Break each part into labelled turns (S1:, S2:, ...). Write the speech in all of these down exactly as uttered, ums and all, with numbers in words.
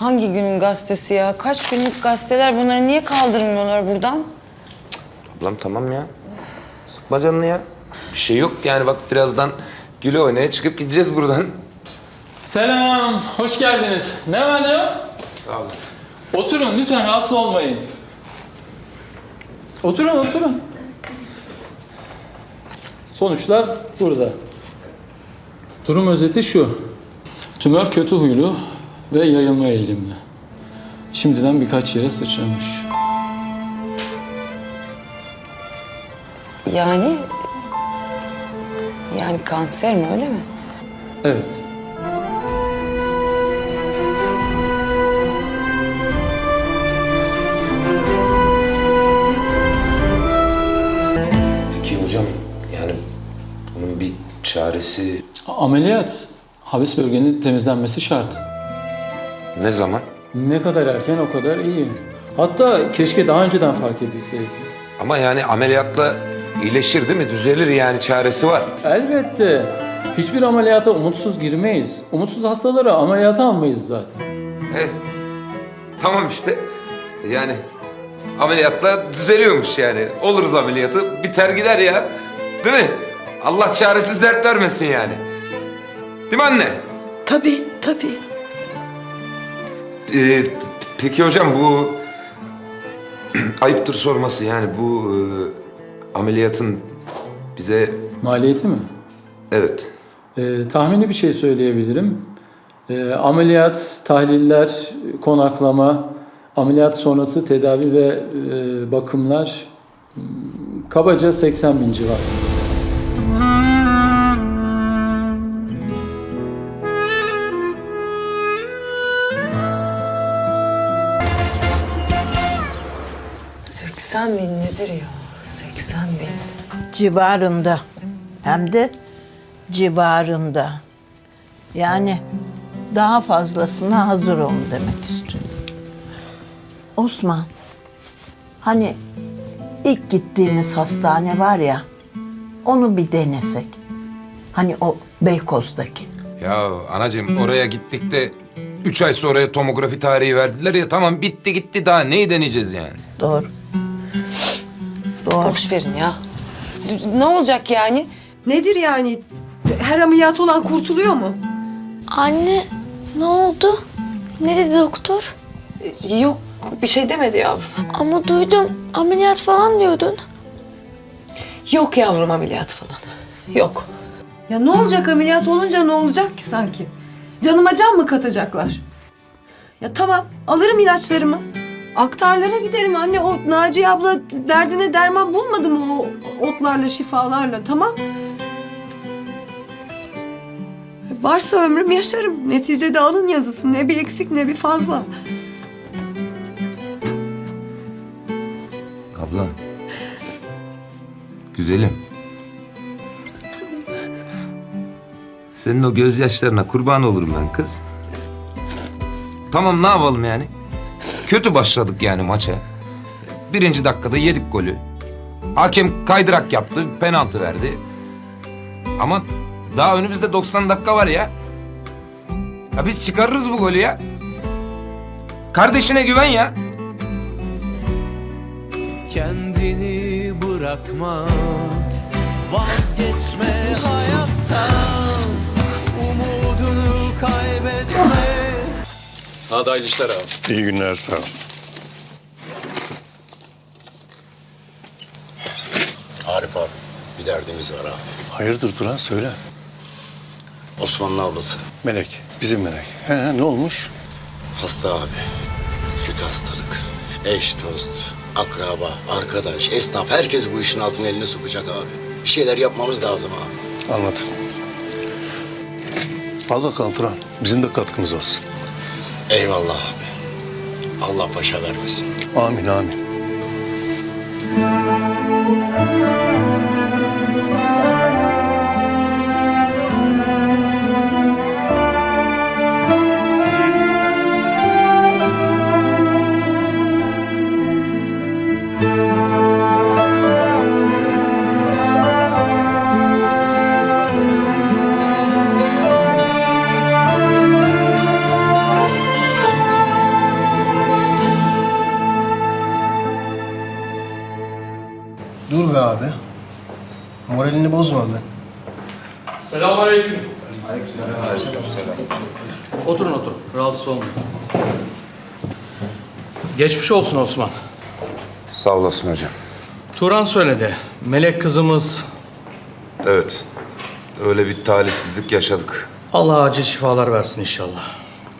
S1: hangi günün gazetesi ya? Kaç günlük gazeteler, bunları niye kaldırmıyorlar buradan?
S2: Ablam tamam ya. Sıkma canını ya. Bir şey yok yani, bak birazdan güle oynaya çıkıp gideceğiz buradan.
S3: Selam, hoş geldiniz. Ne var ne yok?
S2: Sağ olun.
S3: Oturun lütfen, rahatsız olmayın. Oturun, oturun. Sonuçlar burada. Durum özeti şu. Tümör kötü huylu ve yayılma eğilimli. Şimdiden birkaç yere sıçramış.
S1: Yani... Yani kanser mi, öyle mi?
S3: Evet.
S2: Peki hocam, yani bunun bir çaresi
S3: Ameliyat. Habis bölgenin temizlenmesi şart.
S2: ne zaman?
S3: Ne kadar erken o kadar iyi. Hatta keşke daha önceden fark edilseydi.
S2: Ama yani ameliyatla iyileşir değil mi? Düzelir yani, çaresi var.
S3: Elbette. Hiçbir ameliyata umutsuz girmeyiz. Umutsuz hastaları ameliyata almayız zaten.
S2: Eh, tamam işte. Yani ameliyatla düzeliyormuş yani. Oluruz ameliyatı, biter gider ya. Değil mi? Allah çaresiz dert vermesin yani. Değil mi anne?
S4: Tabii, tabii.
S2: Ee, peki hocam, bu ayıptır sorması, yani bu e, ameliyatın bize...
S3: Maliyeti mi?
S2: Evet.
S3: Ee, tahmini bir şey söyleyebilirim. Ee, ameliyat, tahliller, konaklama, ameliyat sonrası tedavi ve e, bakımlar hmm, kabaca seksen bin civarı.
S1: seksen bin nedir ya? seksen bin.
S4: Civarında. Hem de civarında. Yani daha fazlasına hazır olun demek istiyorum. Osman, hani ilk gittiğimiz hastane var ya, onu bir denesek. Hani o Beykoz'daki.
S2: Ya anacığım, oraya gittik de üç ay sonraya tomografi tarihi verdiler ya, tamam bitti gitti, daha neyi deneyeceğiz yani?
S4: Doğru. Doğru.
S1: Boş verin ya. Ne olacak yani?
S5: Nedir yani? Her ameliyat olan kurtuluyor mu?
S6: Anne, ne oldu? Ne dedi doktor?
S1: Yok, bir şey demedi yavrum.
S6: Ama duydum, ameliyat falan diyordun.
S1: Yok yavrum, ameliyat falan. Yok.
S5: Ya ne olacak ameliyat olunca, ne olacak ki sanki? Canıma can mı katacaklar? Ya tamam, alırım ilaçlarımı. Aktarlara giderim anne. O Naciye abla derdine derman bulmadı mı o otlarla, şifalarla? Tamam. Varsa ömrüm yaşarım. Neticede alın yazısı. Ne bir eksik ne bir fazla.
S2: Ablam. Güzelim. Senin o gözyaşlarına kurban olurum ben kız. Tamam, ne yapalım yani? Kötü başladık yani maça. Birinci dakikada yedik golü. Hakem kaydırak yaptı, penaltı verdi. Ama daha önümüzde doksan dakika var ya. Ya biz çıkarırız bu golü ya. Kardeşine güven ya.
S7: Kendini bırakma, vazgeçme hayattan, umudunu kaybetme.
S8: Hadi hayırlı işler abi.
S9: İyi günler, sağ ol.
S8: Arif abi, bir derdimiz var abi.
S9: Hayırdır Turan, söyle.
S8: Osman'ın ablası.
S9: Melek, bizim Melek. He, he, ne olmuş?
S8: Hasta abi. Kötü hastalık. Eş, dost, akraba, arkadaş, esnaf, herkes bu işin altına elini sokacak abi. Bir şeyler yapmamız lazım abi.
S9: Anladım. Al bakalım Turan, bizim de katkımız olsun.
S8: Eyvallah abi. Allah başa vermesin.
S9: Amin, amin.
S10: Dur be abi. Moralini bozmam ben.
S11: Selamünaleyküm. Oturun oturun. Rahatsız olmayın. Geçmiş olsun Osman.
S2: Sağ olasın hocam.
S11: Turan söyledi. Melek kızımız.
S2: Evet. Öyle bir talihsizlik yaşadık.
S11: Allah acil şifalar versin inşallah.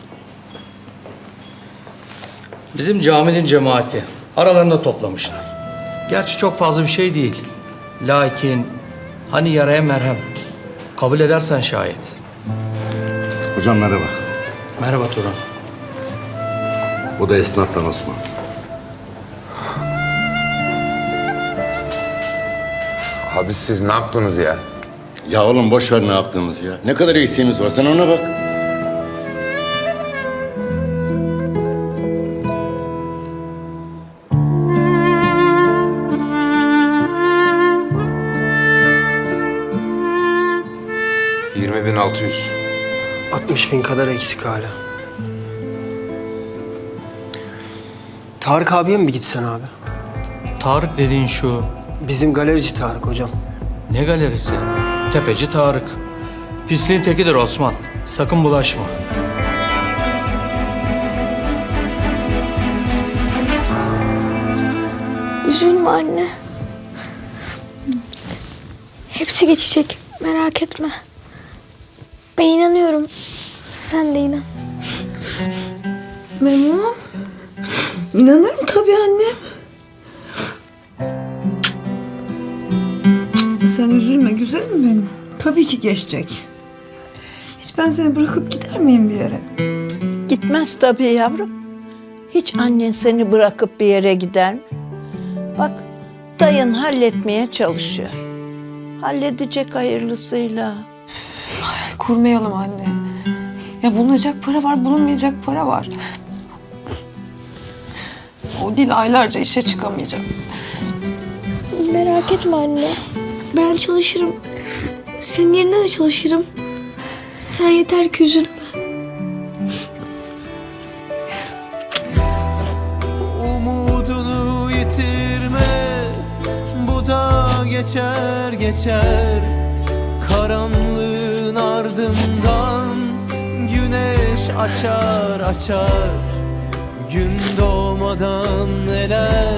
S11: Bizim caminin cemaati aralarında toplamışlar. Gerçi çok fazla bir şey değil. Lakin hani yaraya merhem. Kabul edersen şayet.
S8: Hocam merhaba.
S11: Merhaba Turan.
S8: Bu da esnaftan Osman.
S2: Abi siz ne yaptınız ya?
S8: Ya oğlum boş ver ne yaptığımız ya. Ne kadar eksiğimiz var sen ona bak.
S2: yirmi bin altı yüz.
S10: altmış bin kadar eksik hala. Tarık abiye mi gitsen abi?
S11: Tarık dediğin şu.
S10: Bizim galerici Tarık hocam.
S11: Ne galerisi? Tefeci Tarık. Pisliğin tekidir Osman. Sakın bulaşma.
S6: Üzülme anne. Hepsi geçecek. Merak etme. Ben inanıyorum. Sen de inan.
S5: Memnunum. İnanırım tabii annem. Sen üzülme güzelim benim. Tabii ki geçecek. Hiç ben seni bırakıp gider miyim bir yere?
S4: Gitmez tabii yavrum. Hiç annen seni bırakıp bir yere gider mi? Bak, dayın halletmeye çalışıyor. Halledecek hayırlısıyla.
S5: Kurmayalım anne. Ya bulunacak para var, bulunmayacak para var. O dil aylarca işe çıkamayacak.
S6: Merak etme anne. Ben çalışırım. Senin yerine de çalışırım. Sen yeter ki üzülme.
S7: Umudunu yitirme, bu da geçer geçer. Karanlığın ardından güneş açar açar. Gün doğmadan neler.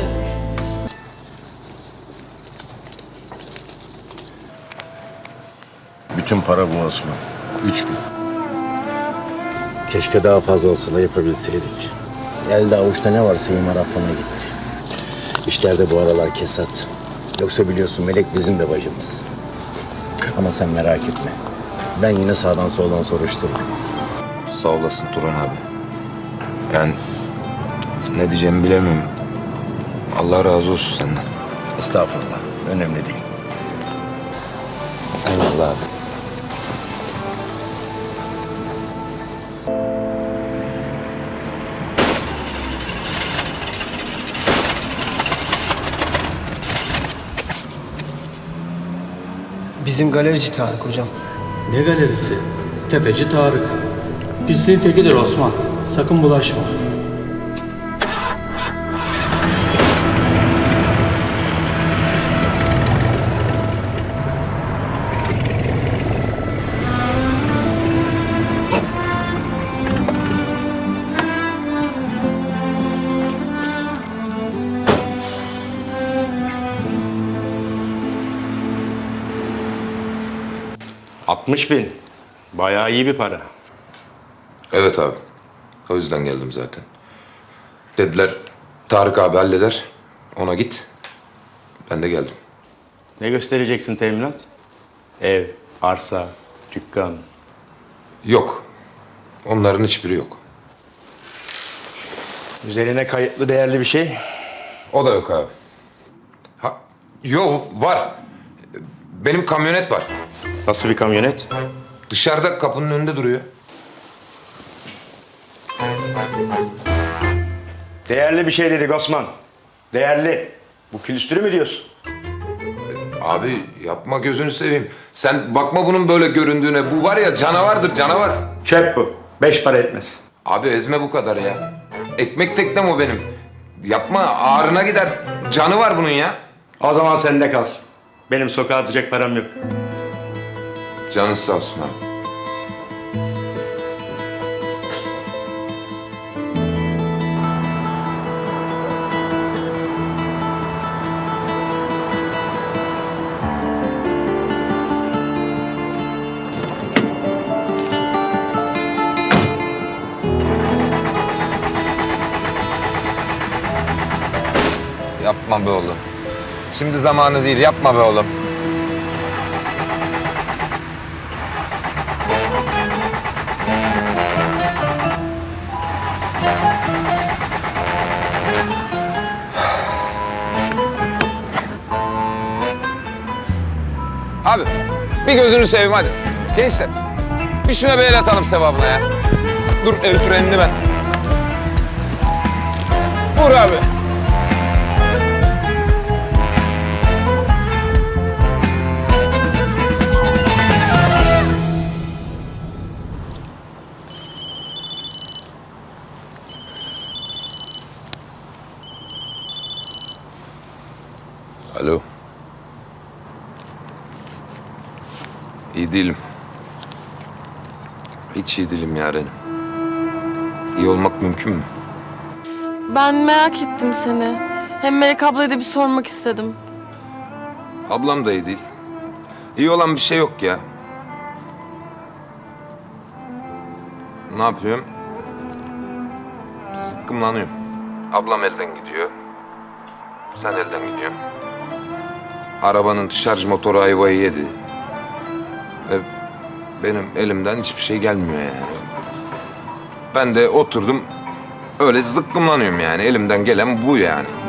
S8: Bütün para bu Osman. Üç bin. Keşke daha fazla olsa da yapabilseydik. Elde avuçta ne varsa imar affına gitti. İşlerde bu aralar kesat. Yoksa biliyorsun Melek bizim de bacımız. Ama sen merak etme. Ben yine sağdan soldan soruştururum.
S2: Sağ olasın Turan abi. Yani ne diyeceğimi bilemiyorum. Allah razı olsun senden.
S8: Estağfurullah. Önemli değil.
S2: Eyvallah abi.
S10: Bizim galerici Tarık hocam.
S11: Ne galerisi? Tefeci Tarık. Pisliğin tekidir Osman. Sakın bulaşma.
S12: altmış bin. Bayağı iyi bir para.
S2: Evet abi. O yüzden geldim zaten. Dediler Tarık abi halleder. Ona git. Ben de geldim.
S12: Ne göstereceksin teminat? Ev, arsa, dükkan.
S2: Yok. Onların hiçbiri yok.
S12: Üzerine kayıtlı değerli bir şey.
S2: O da yok abi. Ha, yok var. Benim kamyonet var.
S12: Nasıl bir kamyonet?
S2: Dışarıda kapının önünde duruyor.
S12: Değerli bir şey dedik Osman. Değerli. Bu külüstürü mü diyorsun?
S2: Abi yapma gözünü seveyim. Sen bakma bunun böyle göründüğüne. Bu var ya canavardır canavar.
S12: Çöp bu. Beş para etmez.
S2: Abi ezme bu kadar ya. Ekmek teknem o benim. Yapma ağrına gider. Canı var bunun ya.
S12: O zaman sende kalsın. Benim sokağa atacak param yok.
S2: Canın sağ olsun abi. Yapma be oğlum. Şimdi zamanı değil, yapma be oğlum. Abi, bir gözünü seveyim hadi. Gençler, bir şuna bir el atalım sevabına ya. Dur, el frenini ben. Vur abi. Alo. İyi değilim. Hiç iyi değilim yarenim. İyi olmak mümkün mü?
S6: Ben merak ettim seni. Hem Melek ablaya da bir sormak istedim.
S2: Ablam da iyi değil. İyi olan bir şey yok ya. Ne yapıyorum? Sıkkımlanıyorum. Ablam elden gidiyor. Sen elden gidiyorsun. Arabanın şarj motoru ayvayı yedi. Ve benim elimden hiçbir şey gelmiyor yani. Ben de oturdum öyle zıkkımlanıyorum yani. Elimden gelen bu yani.